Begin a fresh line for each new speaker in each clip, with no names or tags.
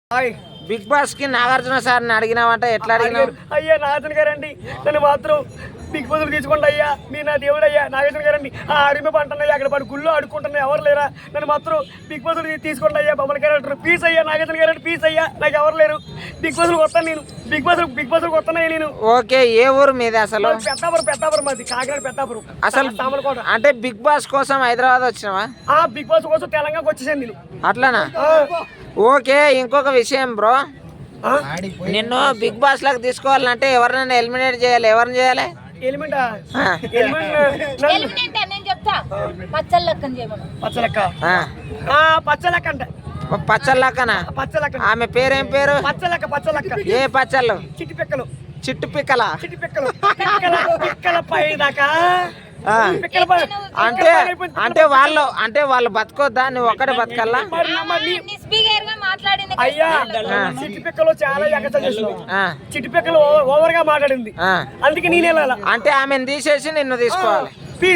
Big boss కి నాగార్జున సార్ని అడిగినావంట, ఎట్లా అడిగినావు?
అయ్యా నాగార్జున గారండి, నన్ను మాత్రం బిగ్ బాస్ తీసుకోండి అయ్యా, మీ నా దేవుడు అయ్యా నాగార్జున గారండి. అడిమి పంటున్నాయి అక్కడ పడి గుళ్ళు అడుక్కుంటున్నాయి, ఎవరు లేరా? నన్ను మాత్రం బిగ్ బాస్ తీసుకోండి అయ్యా, బొమ్మల క్యారెక్టర్ పీస్ అయ్యా, నాగార్జున గారండి పీస్ అయ్యా, నాకు ఎవరు లేరు. బిగ్ బాస్ వస్తాను నేను, బిగ్ బాస్ వస్తున్నాయి నేను.
ఓకే, ఏ ఊరు మీది అసలు?
పెద్దాపురం మాది, కాకినాడ పెద్దాపురం
అసలు.
సామలకోట.
అంటే బిగ్ బాస్ కోసం హైదరాబాద్ వచ్చినావా?
బిగ్ బాస్ కోసం తెలంగాణకు వచ్చేసాను నేను.
అట్లానా? ఓకే, ఇంకొక విషయం బ్రో, నిన్ను బిగ్ బాస్ లాగా తీసుకోవాలంటే ఎవరినైనా ఎలిమినేట్ చేయాలి. ఎవరిని చేయాలి? పచ్చళ్ళక్కనా? ఆమె పేరేం పేరు?
పచ్చలక్క.
ఏ పచ్చళ్ళు?
చిట్టు పిక్కలు
అంటే వాళ్ళు బతకొద్దా? నువ్వు ఒక్కడే బతకల్లా?
అయ్యా చిట్టి పిక్కలు చాలా చిట్టి పిక్కలు ఓవర్ గా మాట్లాడింది, అందుకే నేను వెళ్ళాలా.
అంటే ఆమెను తీసేసి నిన్ను తీసుకోవాలి.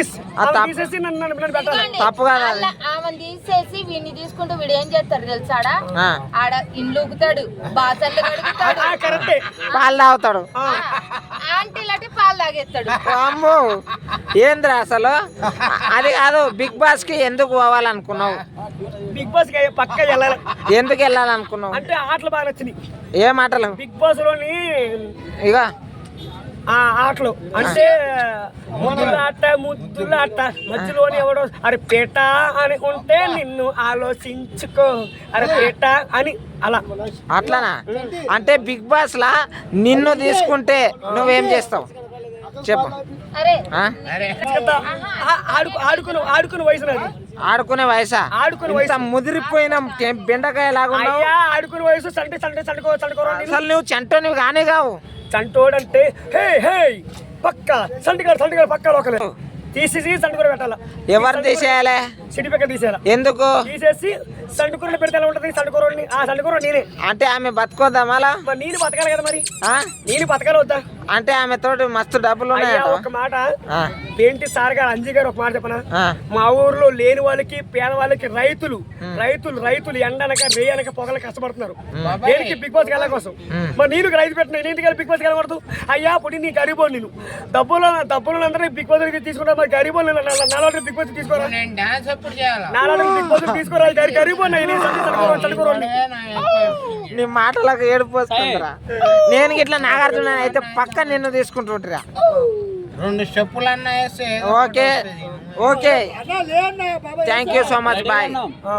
తప్పు కదా?
ఆమెను తీసేసి వీడిని తీసుకుంటూ వీడు ఏం చేస్తాడు తెలుసాడా? ఆడ ఇండ్లు ఊగుతాడు, బాసళ్ళు కడుగుతాడు,
పాలు తాగుతాడు,
ఆంటీలటి పాలు తాగేస్తాడు.
అమ్మో ఏంద్రా అసలు? అది కాదు, బిగ్ బాస్ కి ఎందుకు పోవాలనుకున్నావు?
బిగ్ బాస్ కి పక్క వెళ్ళాలి.
ఎందుకు వెళ్ళాలనుకున్నావు?
అంటే ఆటలు బాగా నచ్చినాయి.
ఏ మాటలు?
బిగ్ బాస్ లోని
ఇక
ఆటలు అంటే ముద్దులాట మధ్యలోని ఎవడో అరే పేట అని ఉంటే నిన్ను ఆలోచించుకో, అరే పేట అని అలా.
అట్లానా? అంటే బిగ్ బాస్ లా నిన్ను తీసుకుంటే నువ్వేం చేస్తావు చెప్పు.
ఆడుకునే వయసు నాది.
ఆడుకునే వయసా?
ఆడుకునే వయసు.
ముదిరిపోయిన బెండకాయ లాగా
ఆడుకునే వయసు.
అసలు నువ్వు చెంటో గానే కావు.
చంటోడంటే హే హే పక్క సంటిగాడు పక్క ఒకలే తీసేసి సంటుకూర పెట్టాల.
ఎవరు తీసేయాలి?
సిటిపెక్క తీసేయాల.
ఎందుకు?
తీసేసి సంటుకూరని పెడితే ఎలా ఉంటది? సంటుకూరని ఆ సంటుకూర నేనే.
అంటే ఆమె బతకొద్దా మళ్ళా?
నేను బతకాలి కదా మరి. నేను బతకాలి వద్దా?
అంటే ఆమె తోటి మస్తు డబ్బులు ఉన్నాయి.
ఒక మాట ఏంటి సార్ గారు, అంజీ గారు ఒక మాట చెప్పనా? మా ఊర్లో లేని వాళ్ళకి పేద వాళ్ళకి రైతులు ఎండనక రేయనక పొగలు కష్టపడుతున్నారు. దేనికి? బిగ్ బాస్ వెళ్ళ కోసం. మరి నేను రైతు పెట్టిన నేను బిగ్ బాస్ వెళ్ళకూడదు అయ్యా. ఇప్పుడు నీ గరీబో నేను డబ్బులు అందరూ బిగ్ బాస్ తీసుకుంటా. మరి గరీబో నాలుగు బిగ్ బాస్ తీసుకోరా, నాలుగు బిగ్ బాస్ తీసుకోరా. గరీబో
నీ మాటలకు ఏడిపోతుందిరా. నేను ఇట్లా నాగార్జున అయితే పక్క నిన్ను తీసుకుంటుంటా.
2 స్టెప్పులు అన్నా.
Okay thank you so much, bye.